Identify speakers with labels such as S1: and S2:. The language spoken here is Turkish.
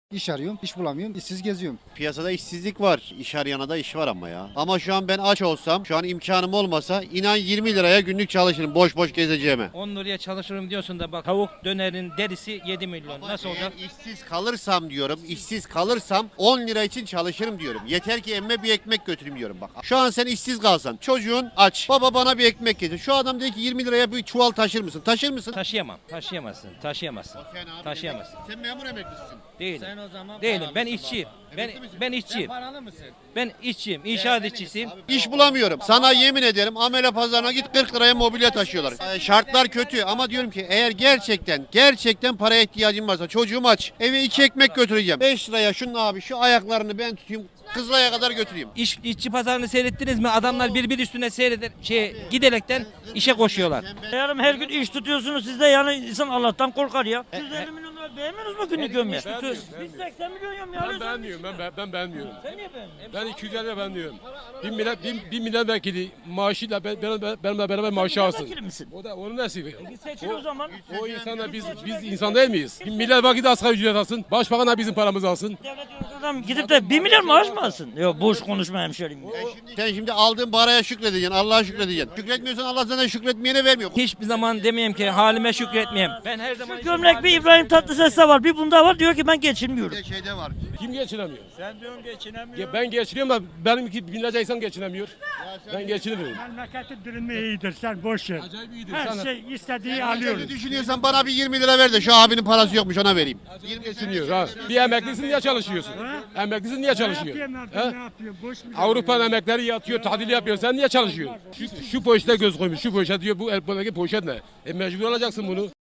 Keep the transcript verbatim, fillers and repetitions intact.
S1: İş arıyorum, iş bulamıyorum, işsiz geziyorum.
S2: Piyasada işsizlik var. İş arayana da iş var ama ya. Ama şu an ben aç olsam, şu an imkanım olmasa inan yirmi liraya günlük çalışırım boş boş gezeceğime.
S3: on liraya çalışırım diyorsun da bak tavuk dönerin derisi yedi milyon.
S2: Ama
S3: Nasıl olacak?
S2: eğer işsiz kalırsam diyorum, işsiz kalırsam on lira için çalışırım diyorum. Yeter ki emme bir ekmek götüreyim diyorum bak. Şu an sen işsiz kalsan, çocuğun aç. Baba bana bir ekmek getir. Şu adam dedi ki yirmi liraya bir çuval taşır mısın? Taşır mısın?
S3: Taşıyamam. Taşıyamazsın. Taşıyamazsın.
S2: Sen abi
S3: Taşıyamazsın.
S2: emekli- Sen memur emeklisin.
S3: Değilim.
S4: Sen o zaman
S3: Değilim.
S4: paralı
S3: Ben
S4: mısın
S3: işçiyim.
S4: baba?
S3: Ben
S2: Emekli misin?
S3: ben
S4: Sen
S3: işçiyim.
S4: paralı mısın?
S3: Ben işçiyim. İnşaat işçisiyim.
S2: İş bulamıyorum. Sana yemin ederim amele pazarına git kırk liraya mobilya taşıyorlar. Ee, şartlar kötü ama diyorum ki eğer gerçekten gerçekten paraya ihtiyacım varsa çocuğum aç. Eve iki ekmek götüreceğim. beş liraya şunun abi şu ayaklarını ben tutayım. Kızılay'a kadar götüreyim.
S3: İş, işçi pazarını seyrettiniz mi? Adamlar birbir üstüne seyreder, şey giderekten işe koşuyorlar.
S5: Yarım her gün iş tutuyorsunuz siz de yani insan Allah'tan korkar ya. yüz elli milyon lira beğenmiyorsunuz mu günlük gömme? Biz seksen milyon gömme
S6: Ben
S5: alıyoruz.
S6: beğenmiyorum, ben, ben, ben beğenmiyorum.
S5: Sen niye beğenmiyorsun?
S6: Ben iki yüz elli beğenmiyorum. Bir, millet, bir, bir milletvekili maaşıyla ben, ben, ben, benimle beraber maaşı alsın.
S5: Milletvekili misin?
S6: O da onun nasibi.
S5: Git seçil o zaman.
S6: O insana biz biz insan değil miyiz? Bir milletvekili asgari ücret alsın, başbakan da bizim paramızı alsın.
S5: Devlet yönetici gidip de bir milyar maaş mı alsın? Yok boş konuşma hemşerim.
S2: Sen şimdi aldığın paraya şükredeceksin. Allah'a şükredeceksin. Şükretmiyorsan Allah sana şükretmeyene vermiyor.
S3: Hiçbir zaman demeyeyim ki halime şükretmeyeyim. Ben her zaman
S5: Gömlek bir İbrahim Tatlıses'te var bir bunda var diyor ki ben geçinmiyorum.
S2: Bir de şeyde var.
S6: Kim geçinemiyor?
S4: Sen diyorsun geçinemiyor.
S6: Ya ben geçiniyorum da benimki binlerce insan geçinemiyor. Ben geçinemiyorum.
S7: Memleketin durumu iyidir sen boş ver.
S6: Acayip iyidir.
S7: Her
S6: Sana
S7: şey istediği
S2: Öyle
S7: alıyoruz.
S2: düşünüyorsan bana bir yirmi lira ver de şu abinin parası yokmuş ona vereyim.
S6: acayip geçiniyor ha. Bir emeklisin niye çalışıyorsun? Emeklisin niye
S7: Ne
S6: çalışıyor?
S7: yapayım
S6: Ha?
S7: ben ne yapıyorum boş mu?
S6: Avrupa emekleri yatıyor, tatil yapıyor. Sen niye çalışıyorsun? Şu, şu poşete göz koymuş, şu poşet diyor, bu el poşet ne? E mecbur alacaksın bunu.